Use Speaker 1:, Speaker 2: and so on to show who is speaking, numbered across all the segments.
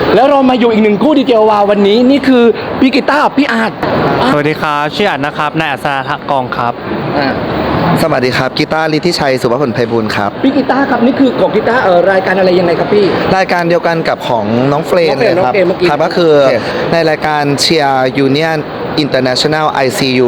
Speaker 1: แล้วเรามาอยู่อีกหนึ่งคู่ดีเจวาววันนี้นี่คือพี่กีตาร์พี่อาร์ต
Speaker 2: สวัสดีครับชื่ออัดนะครับนายอัศรกองครับ
Speaker 3: สวัสดีครับกีตาร์ฤทธิชัยสุภพลไพบูลย์ครับ
Speaker 1: พี่กีตาร์ครับนี่คือของกีตาร์รายการอะไรยังไงครับพี่
Speaker 3: รายการเดียวกันกับของน้องเฟรนเลยครับ
Speaker 1: น้องเฟรนเมื่อกี้
Speaker 3: ครับก็คือในรายการเชียร์ยูเนียนInternational ICU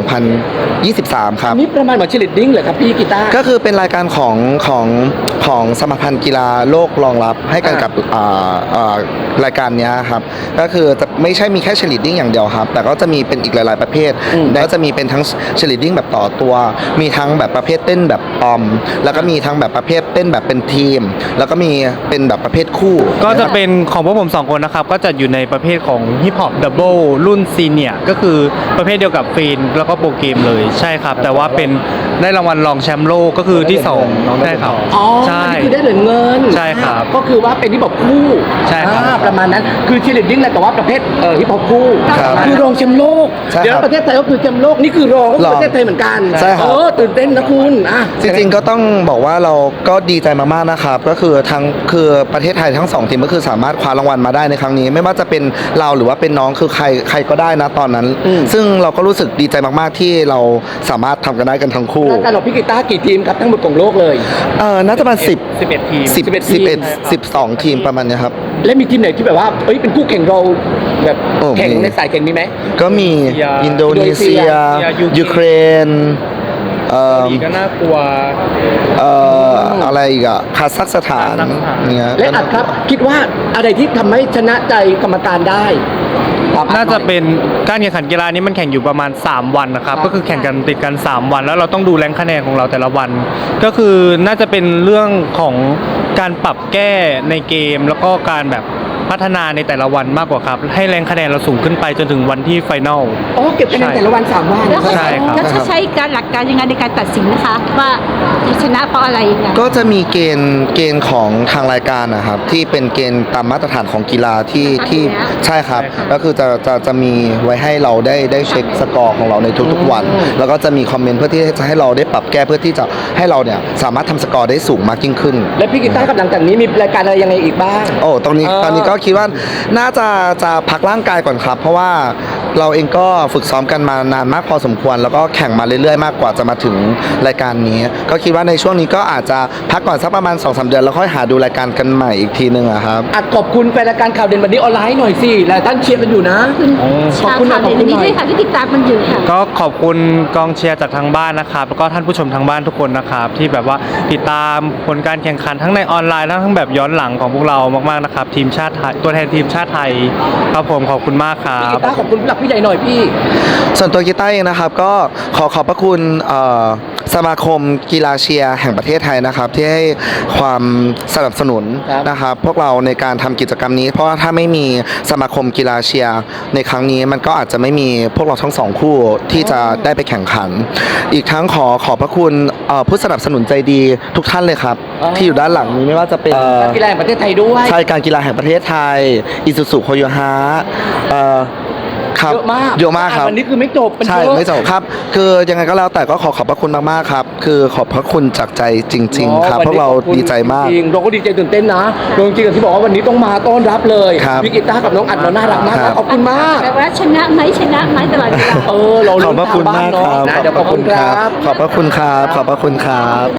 Speaker 3: 2023 ครับ
Speaker 1: นี่ประมาณเหมือนเชลิดดิ้งเหรอครับพี่กีตาร์
Speaker 3: ก็คือเป็นรายการของสมาพันธ์กีฬาโลกรองรับให้กันกับรายการเนี้ยครับก็คือจะไม่ใช่มีแค่เชลิดดิ้งอย่างเดียวครับแต่ก็จะมีเป็นอีกหลาย ๆประเภทแล้วจะมีเป็นทั้งเชลิดดิ้งแบบต่อตัวมีทั้งแบบประเภทเต้นแบบปอมแล้วก็มีทั้งแบบประเภทเต้นแบบเป็นทีม แล้วก็มีเป็นแบบประเภทคู่
Speaker 2: ก็จะเป็นของพวกผม2คนนะครับก็จะอยู่ในประเภทของฮิปฮอปดับเบิลรุ่นซีเนียร์ก็คือประเภทเดียวกับฟีนแล้วก็โปรเกมเลยใช่ครับแต่ว่าเป็นได้รางวัลรองแชมป์โลกก็คือที่2ใช่ครับ
Speaker 1: อ๋อ
Speaker 2: ใช่
Speaker 1: นี่คือได้เหรียญเงิน
Speaker 2: ใช่ครับ
Speaker 1: ก็คือว่าเป็นฮิปฮอปคู่
Speaker 2: ใช่ครับ
Speaker 1: ประมาณนั้นคือเชลิดดิ้งแหละแต่ว่าประเภทฮิปฮอปคู่
Speaker 3: ครับ
Speaker 1: คือรองแชมป์โลก
Speaker 3: ใช่ครับ
Speaker 1: เดี๋ยวประเทศไทยก็คือแชมป์โลกนี่คือรองก็คือประเทศไทยเหมือนกัน
Speaker 3: ใช่ครับ
Speaker 1: ตื่นเต้นนะคุณ
Speaker 3: จริงๆก็ต้องบอกว่าเราก็ดีใจมากๆนะครับก็คือคือประเทศไทยทั้ง2ทีมก็คือสามารถคว้ารางวัลมาได้ในครั้งนี้ ไม่ว่าจะเป็นเราหรือว่าเป็นน้องคือใครก็ได้นะตอนนั้น ซึ่งเราก็รู้สึกดีใจมากๆที่เราสามารถทำกันได้กันทั้งคู่
Speaker 1: รายการของพี่กีตาร์กี่ทีมครับทั้งหมดของโลกเลย
Speaker 3: น่าจะประมาณ
Speaker 2: 11ทีม
Speaker 3: 12 ทีมประมาณเนี้ยครับ
Speaker 1: และมีทีมไหนที่แบบว่าเป็นคู่แข่งเราแบบ
Speaker 3: โอ้
Speaker 1: แข่ง
Speaker 3: มี
Speaker 1: ในสายแข่งมีไหม
Speaker 3: ก็มีอินโดนีเซีย ยูเครน
Speaker 2: อีกก็น่ากลัว
Speaker 3: อะไรอีกอะคาซัคสถานเนี่ย
Speaker 1: และอัดครับคิดว่าอะไรที่ทำให้ชนะใจกรรมการได้ครับ
Speaker 2: น่าจะเป็นการแข่งขันกีฬานี้มันแข่งอยู่ประมาณ3วันนะครับก็คือแข่งกันติดกัน3วันแล้วเราต้องดูแรงคะแนนของเราแต่ละวัน ก็คือน่าจะเป็นเรื่องของการปรับแก้ในเกมแล้วก็การแบบพัฒนาในแต่ละวันมากกว่าครับให้แรงคะแนนเราสูงขึ้นไปจนถึงวันที่ไฟนอล
Speaker 1: อ๋อเก็บคะแนนแต่ละวัน3วัน
Speaker 4: แล้วเขา
Speaker 2: ใช่ครับ
Speaker 4: แล้วจะใช้การหลักการยังไงในการตัดสินนะคะว่าชนะเพราะอะไรยังไง
Speaker 3: ก็จะมีเกณฑ์ของทางรายการนะครับที่เป็นเกณฑ์ตามมาตรฐานของกีฬาที่ใช่ครับก็คือจะมีไว้ให้เราได้เช็คสกอร์ของเราในทุกๆวัน แล้วก็จะมีคอมเมนต์เพื่อที่จะให้เราได้ปรับแก้เพื่อที่จะให้เราเนี่ยสามารถทำสกอร์ได้สูงมากยิ่งขึ้น
Speaker 1: และพี่กีตาร์กับหลังจากนี้มีรายการอะไรยังไงอีกบ้าง
Speaker 3: โอ้ตอนนี้ก็คิดว่าน่าจะพักร่างกายก่อนครับ เพราะว่าเราเองก็ฝึกซ้อมกันมานานมากพอสมควร แล้วก็แข่งมาเรื่อยๆมากกว่าจะมาถึงรายการนี้ ก็คิดว่าในช่วงนี้ก็อาจจะพักก่อนสักประมาณ 2-3 เดือนแล้วค่อยหาดูรายการกันใหม่อีกทีนึงอะครับ
Speaker 1: อัดขอบคุณแฟนรายการข่าวเด่นวันนี้ออนไลน์หน่อยสิหลายท่านเชียร์กันอยู่นะ ขอบคุณหน่อย
Speaker 4: ข่าวเด่นนี้ด้วยค่ะที่ติดตามมันอยู่ค่ะ
Speaker 2: ก็ขอบคุณกองเชียร์จากทางบ้านนะครับแล้วก็ท่านผู้ชมทางบ้านทุกคนนะครับที่แบบว่าติดตามผลการแข่งขันทั้งในออนไลน์ทั้งแบบย้อนหลังของพวกเรามากๆนะครับทีมชาติไทยตัวแทนทีมชาติไทยครับผมขอบคุณมากครั
Speaker 1: พี่กี
Speaker 2: บ
Speaker 1: ตาร์ขอบคุณผู้หลักผู้ใหญ่หน่อยพี่
Speaker 3: ส่วนตัวกีตาร์เองนะครับก็ขอบพระคุณสมาคมกีฬาเชียร์แห่งประเทศไทยนะครับที่ให้ความสนับสนุน
Speaker 1: ครับ
Speaker 3: นะครับพวกเราในการทำกิจกรรมนี้ เพราะว่าถ้าไม่มีสมาคมกีฬาเชียร์ในครั้งนี้มันก็อาจจะไม่มีพวกเราทั้ง2คู่ที่จะได้ไปแข่งขัน อีกทั้งขอบพระคุณผู้สนับสนุนใจดีทุกท่านเลยครับ
Speaker 1: อ๋อ
Speaker 3: ที่อยู่ด้านหลังนี้ไม่ว่าจะเป็น
Speaker 1: กีฬาแห่งประเทศไทยด้วย
Speaker 3: ใช่การกีฬาแห่งประเทศไทยอิซูซุโคโยฮะครับ
Speaker 1: เยอะมาก
Speaker 3: เยอะมากครับ
Speaker 1: วันนี้คือไม่จบมัน
Speaker 3: ใช่
Speaker 1: เยอะ
Speaker 3: ไม่จบครับ คือยังไงก็แล้วแต่ก็ขอบพระคุณมากๆครับ คือขอบพระคุณจากใจจริง ๆ ครับ
Speaker 1: วัน
Speaker 3: พว
Speaker 1: นี้
Speaker 3: กเรา
Speaker 1: ขอบคุณ
Speaker 3: ดีใจมาก
Speaker 1: จริงๆเราก็ดีใจตื่นเต้นนะจริงๆอย่างที่บอกว่าวันนี้ต้องมาต้อนรับเลย
Speaker 3: ครับ
Speaker 1: พี่กีตาร์กับน้องอัดเราน่ารักมาก
Speaker 3: ครับ
Speaker 1: ขอบคุณมาก
Speaker 4: แปลว่าชนะไหมตลอดเวลา
Speaker 1: เรา
Speaker 3: ขอบพระคุณมากครับ
Speaker 1: นะเดี๋ยวขอบคุณครับ
Speaker 3: ขอบพระคุณครับ ขอบพระคุณครับ